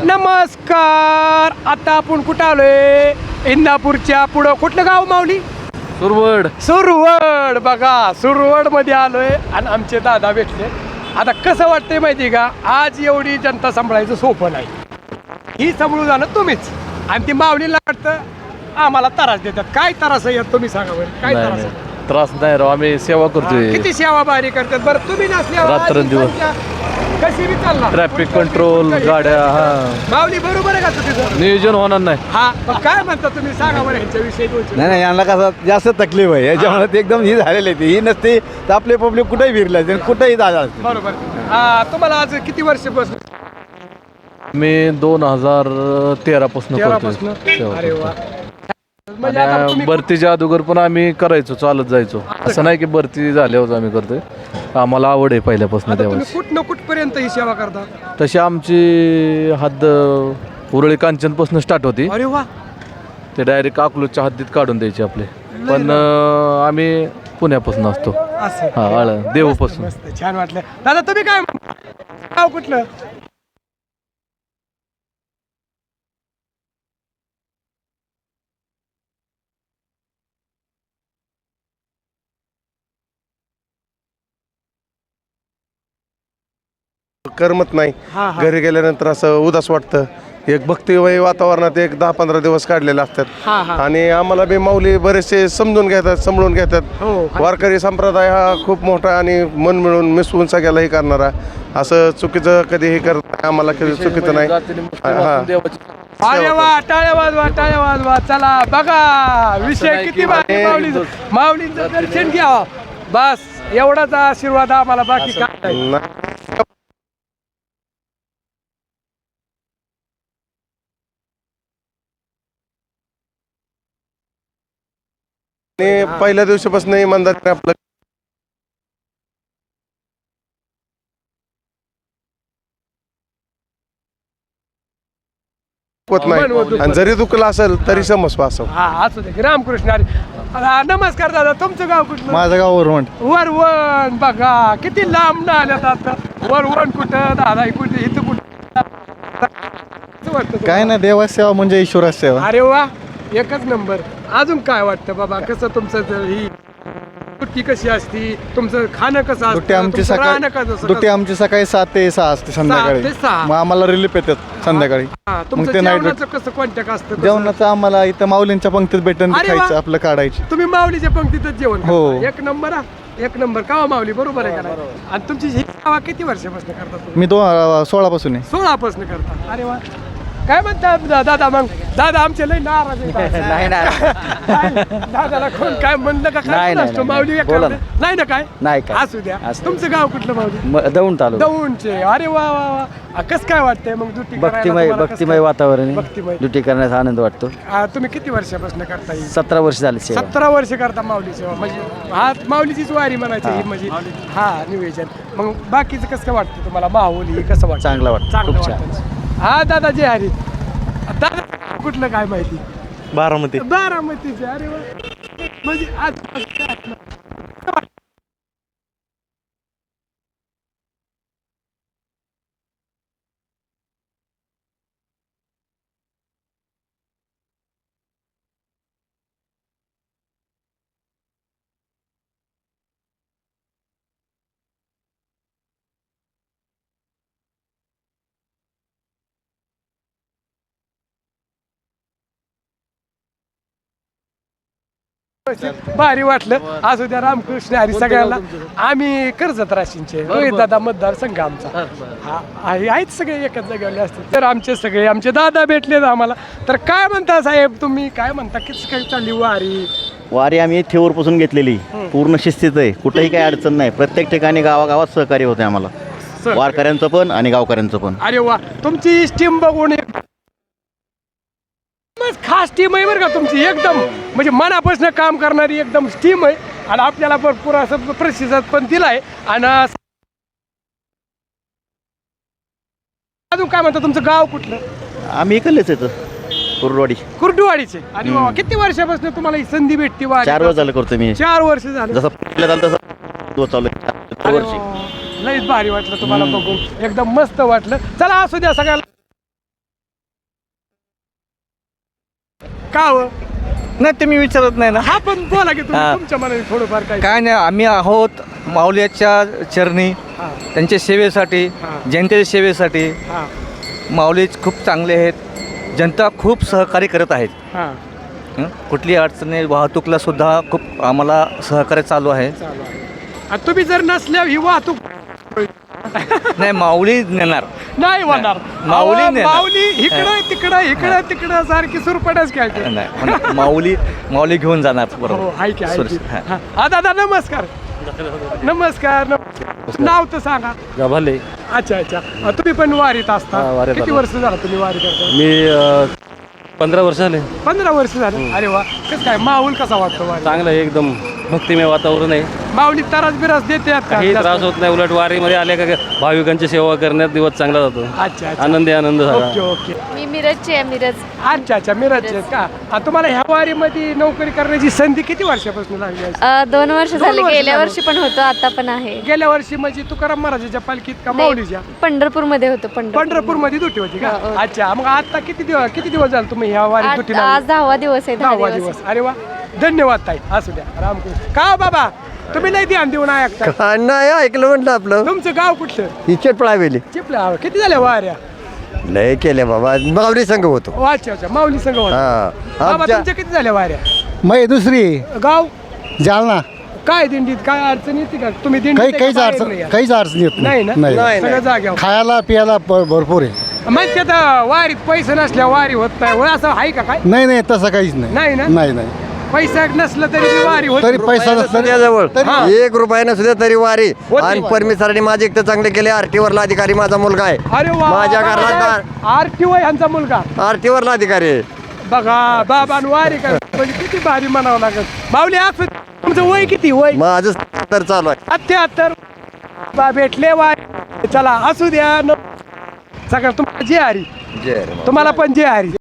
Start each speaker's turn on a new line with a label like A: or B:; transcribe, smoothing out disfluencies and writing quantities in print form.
A: नमस्कार. आता आपण कुठं आलोय? इंदापूरच्या पुढं कुठलं गाव माऊली? सुरवड. बघा सुरवड मध्ये आलोय आणि आमचे दादा भेटले. आता कसं वाटतंय माहिती का, आज एवढी जनता सांभाळायचं सोपं नाही. ही सांभाळून जाणं तुम्हीच आणि ती माऊलीला वाटतं आम्हाला त्रास देतात. काय त्रास आहे यात तुम्ही सांगा बरं, काय त्रास आहे?
B: त्रास नाही राव, आम्ही सेवा करतोय.
A: किती सेवा बारी करतात बरं तुम्ही नसल्यावर.
B: रात्रंदिवस.
A: कशी बी चालणार
B: ट्रॅफिक कंट्रोल गाड्या.
A: माऊली बरोबर आहे का तुझं
B: नियोजन होणार नाही.
A: हा पण काय म्हणता तुम्ही सांगा बरं ह्यांच्याविषयी.
C: नाही नाही, यांना कसं जास्त तकलीफ आहे याच्यामुळे ते एकदम ही झालेली आहे. ही नसते तर आपले पब्लिक कुठेही फिरले कुठेही झालं असते.
A: बरोबर. तुम्हाला आज किती वर्षापासून?
B: मी 2013 पासून
A: तेव्हापासून?
B: करतोय
A: अरे वा.
B: सेवा.
A: म्हणजे आता
B: आणि
A: तुम्ही
B: भरतीच्या अगोदर पण आम्ही करायचो, चालत जायचो. असं नाही की भरती झाल्यावर आम्ही करतोय. आम्हाला आवड आहे पहिल्यापासून
A: आता तुम्ही
B: देवाची.
A: कुठं कुठपर्यंत ही सेवा करता?
B: तशी आमची हद्द उरळी कांचनपासून स्टार्ट होती.
A: अरे वा.
B: ते डायरेक्ट अकलूजच्या हद्दीत काढून द्यायचे आपले. पण आम्ही पुण्यापासून असतो.
A: असं
B: हा, देवपासून.
A: मस्त, छान वाटलं. दादा तुम्ही काय म्हणता? गाव कुठलं?
D: करमत नाही.
A: हा, हा.
D: घरी गेल्यानंतर असं उदास वाटतं. एक भक्तिमय वातावरणात एक 10-15 दिवस काढलेले असतात.
A: हा, हा.
D: आणि आम्हाला बी माऊली बरेचसे समजून घेतात, सांभाळून घेतात.
A: हो.
D: वारकरी संप्रदाय हा खूप मोठा आणि मन मिळून मिसळून सगळ्याला हे करणारा. असं चुकीचं कधी हे करत नाही. आम्हाला कधी चुकीचं नाही. हा.
A: अरे वा, टाळ्या वाजवा, टाळ्या वाजवा. चला बघा विषय किती भारी. माऊलींचं दर्शन घ्या बस, एवढाच आशीर्वाद आम्हाला, बाकी काय नाही.
D: आणि पहिल्या दिवशीपासून इमानदारीने आपलं होत नाही. आणि जरी दुखलं असेल तरी समजवा असं.
A: हा असू दे. रामकृष्ण हरी. नमस्कार दादा, तुमचं गाव कुठलं?
C: माझं गाव वरवंट.
A: वरवण. बघा किती लांब ना आल्यात आता. वरवण कुठं, दादा कुठे, इथं कुठं वाटतं?
C: काय नाही, देवाची सेवा म्हणजे ईश्वराची सेवा.
A: अरे वा, एकच नंबर. अजून काय वाटतं बाबा, कसं तुमचं ही सुट्टी कशी असती, तुमचं खाणं कसं
C: दुट्टी
A: असतं,
C: आमची
A: तुमचं राहणं
C: सकाळी
A: कसं?
C: दुट्टी आमची सकाळी 7 ते 6 असते संध्याकाळी.
A: 7 ते 6.
C: मग आम्हाला रिलीफ येतात संध्याकाळी.
A: हा,
C: मग
A: तुमचं
C: ते नाईट
A: जेवणाचं कसं कॉन्टॅक्ट असतं? कसं?
C: जेवणाचं आम्हाला इथं माऊलींच्या पंक्तीत भेटून
A: अरे वा.
C: खायचं, आपलं काढायचं.
A: तुम्ही माऊलीच्या पंक्तीतच जेवण
C: हो.
A: करता? एक नंबर हा, एक नंबर. का माऊली बरोबर आहे का नाही? आणि तुमची ही सेवा किती वर्षापासून करता तुम्ही?
C: मी 16 पासून आहे.
A: 16 पासून करता. अरे वा. काय म्हणता दादा? मग दादा आमचे लय नाराज आहे. दादाला कोण काय म्हणलं का? काय असतो माऊली नाही ना? काय
E: नाही काय.
A: असू द्या. तुमचं गाव कुठलं माऊली?
E: दौंड तालुका.
A: दौंडचे. अरे वा वा वा. कसं काय वाटतंय मग ड्युटी?
E: भक्तिमय वातावरण
A: भक्तिमय.
E: ड्युटी करण्याचा आनंद वाटतो.
A: तुम्ही किती वर्षापासून करता ही?
E: 17 वर्ष झाली सेवा.
A: 17 वर्ष करता माऊली सेवा. म्हणजे हा माऊलीचीच वारी म्हणायची ही, म्हणजे हा निवेदन. मग बाकीचं कसं काय वाटतं तुम्हाला? माऊली हे कसं वाटतं?
E: चांगलं वाटतं,
A: चांगलं
E: खूप छान.
A: वाटतं. हा दादा जे हरी. दादा कुठलं काय माहिती?
C: बारामती.
A: बारामतीचे. अरे वा. म्हणजे आज भारी वाटलं. असू द्या. रामकृष्ण हरी सगळ्यांना. आम्ही कर्जत राशींचे, रोहित दादा मतदारसंघ आमचा. हा आहेत सगळे एकच जागेवरले असते. तर आमचे सगळे आमचे दादा भेटले आम्हाला. तर काय म्हणता साहेब तुम्ही? काय म्हणता, किती काय चालली वारी?
F: वारी आम्ही थेऊरपासून घेतलेली, पूर्ण शिस्तीत आहे. कुठेही काही अडचण नाही. प्रत्येक ठिकाणी गावागावात सहकार्य होते आम्हाला, वारकऱ्यांचं पण आणि गावकऱ्यांचं पण.
A: अरे वा. तुमची टीम बघून खास टीम आहे बरं का तुमची. एकदम म्हणजे मनापासून काम करणारी एकदम टीम आहे. आणि आपल्याला भरपूर असं प्रतिसाद पण दिलाय. आणि अजून काय म्हणता, तुमचं गाव कुठलं?
F: आम्ही इकडलेच येतो, कुर्डवाडी.
A: कुर्डुवाडीचे. आणि बाबा किती वर्षापासून तुम्हाला ही संधी भेटते?
F: 4 वर्ष झालं करतो मी.
A: 4 वर्ष झालं.
F: जसं पहिलं झालं तसं दिवस चालू आहे. 4
A: अरे
F: वर्षी.
A: वा. लईच भारी वाटलं तुम्हाला बघून. एकदम मस्त वाटलं. चला असू द्या सगळ्याला. का हो?
G: नाही ते मी विचारत नाही ना.
A: हा पण बोला की तुम्ही
G: हा.
A: तुमच्या मनाने थोडंफार काय.
G: काय नाही, आम्ही आहोत माऊलीच्या चरणी,
A: हा,
G: त्यांच्या सेवेसाठी,
A: हा.
G: जनतेच्या सेवेसाठी.
A: हा,
G: माऊली खूप चांगले आहेत, जनता खूप सहकार्य करत आहेत.
A: हा.
G: कुठली अडचणी वाहतूकला सुद्धा खूप आम्हाला सहकार्य चालू आहे.
A: चालू आहे. आणि तुम्ही जर नसल्यावर ही वाहतूक
G: नाही माऊली नेणार.
A: नाही होणार.
G: माऊली
A: अहो,
G: नेणार.
A: माऊली इकडं तिकडं सारखी सुरपटच खेळते.
G: नाही पण माऊली घेऊन जाणार
A: हो
G: बरोबर.
A: हाय की
G: सुरक्षित, हा.
A: हा दादा नमस्कार. नमस्कार. नाव तर सांगा.
B: गभाले
A: अच्छा अच्छा. तुम्ही पण वारीत असता.
B: हा, वारीत
A: किती
B: आलो.
A: वर्ष झालं तुम्ही वारी करता?
B: मी 15 वर्ष झाले.
A: 15 वर्ष झालं. अरे वा. कसं काय माहोल कसा वाटतो वारी?
B: चांगलं आहे, एकदम भक्तिमय वातावरण आहे.
A: माऊली तरास बिरास देते का?
B: काही
A: जास्त?
B: त्रास होत नाही, उलट वारीमध्ये आले का भाविकांची सेवा करण्यात दिवस चांगला जातो.
A: अच्छा अच्छा.
B: आनंदी आनंद
A: ओके
B: झाला.
A: ओके.
H: मी मिरजची आहे, मिरज.
A: अच्छा अच्छा. मिरजचे आहेत का? तुम्हाला ह्या वारीमध्ये नोकरी करण्याची संधी किती वर्षापासून लागली आहे?
H: 2 वर्ष
A: 2
H: झाले.
A: वर्ष
H: गेल्या
A: झाले.
H: वर्षी पण होतो, आता पण आहे.
A: गेल्या वर्षी म्हणजे तुकाराम महाराजाच्या पालखीत का माऊलीच्या?
H: पंढरपूरमध्ये होतो.
A: पंढरपूर मध्ये दुटी होती का?
H: हो, हो.
A: अच्छा. मग आता किती दिवस झाले तुम्ही ह्या वारीत दुटी
H: आज 10वा दिवस आहे.
A: 10वा दिवस. अरे वा. धन्यवाद ताई. असू द्या. रामकृष्ण. का हो बाबा तुम्ही नाही ध्यान देऊन ऐकता?
I: नाही ऐकलं म्हटलं आपलं
A: तुमचं गाव कुठलं?
I: ही चटपळावेली
A: चिपला. किती झाल्या वाऱ्या?
I: लय केले बाबा मावली संघ होतो.
A: ओ, अच्छा अच्छा. माऊली संघ होता.
I: हा
A: बाबा
I: आमच्या
A: तुमच्या किती झाल्या वाऱ्या?
C: मग दुसरी
A: गाव
C: जालना
A: काय दिंडीत काय अडचण येते का? तुम्ही दिंडीत
C: काहीच अडचण येत
A: नाही ना? सगळं जाग्यावर.
C: खायला पियाला भरपूर आहे.
A: म्हणजे आता वारीत पैसे नसल्या वारी होत नाही होय, असं आहे का काय?
C: नाही तसं काहीच
A: नाही ना?
C: नाही
A: पैसा नसलं तरी ती वारी होत
C: तरी पैसा नसला
I: जवळ
A: हा.
I: 1 रुपया नसुद्या तरी वारी.
A: होती
I: आणि
A: वारी.
I: परमेश्वरांनी माझे एक तर चांगले केले. आरटी वरला अधिकारी माझा मुलगा आहे.
A: अरे वा.
I: माझ्या घरात
A: आरटीओ यांचा मुलगा
I: आरटी वरला अधिकारी आहे.
A: बघा बाबा वारी कर म्हणजे किती भारी म्हणावं लागत. बावली असं तुमचं वय किती? वय
I: माझं तर चालू आहे.
A: 77. बा भेटले वारी. चला असू द्या. सगळं तुम्हाला जे हरी.
I: जय रे.
A: तुम्हाला पण जे हरी.